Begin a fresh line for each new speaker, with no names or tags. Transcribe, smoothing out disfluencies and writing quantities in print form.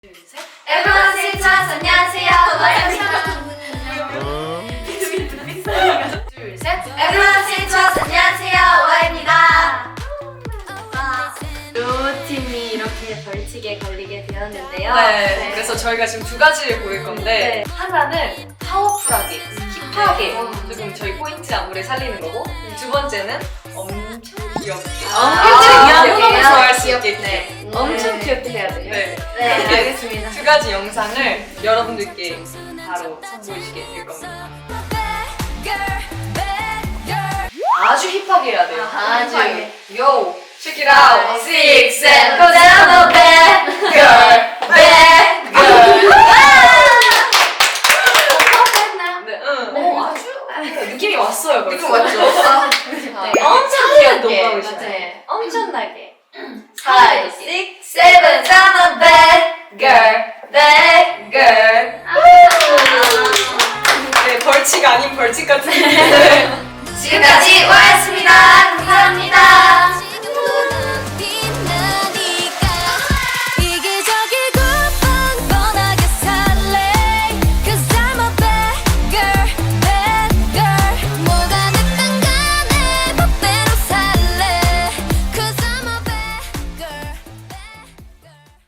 둘, 셋.
Everyone sing to us. 안녕하세요.
둘, 셋.
Everyone sing to us. 안녕하세요. 와입니다. 두 팀이 이렇게 벌칙에 걸리게 되었는데요.
네. 그래서 저희가 지금 두 가지를 고를 건데 하나는 파워풀하게, 힙하게 조금 저희 포인트 안무를 살리는 거고 두 번째는 엄청 귀엽게.
엄청
너무
귀엽게.
좋아할 수 있게.
엄청 귀엽게 해야 돼요.
네.
네,
이렇게
알겠습니다.
두 가지 영상을 여러분들께 바로 선보이시게 될 겁니다. 아주 힙하게 해야 돼요.
아주.
Yo, check it out. 6, 7,
Go down the bad
girl,
bad girl.
네, 응. 아주 느낌이 왔어요.
느낌
벌써.
왔죠?
네, 엄청 귀여운 노래이시네.
네.
엄청나게.
5, 6, 7, down the bad girl, bad girl.
네, 벌칙 아닌 벌칙 같은데.
지금까지 와였습니다. 감사합니다.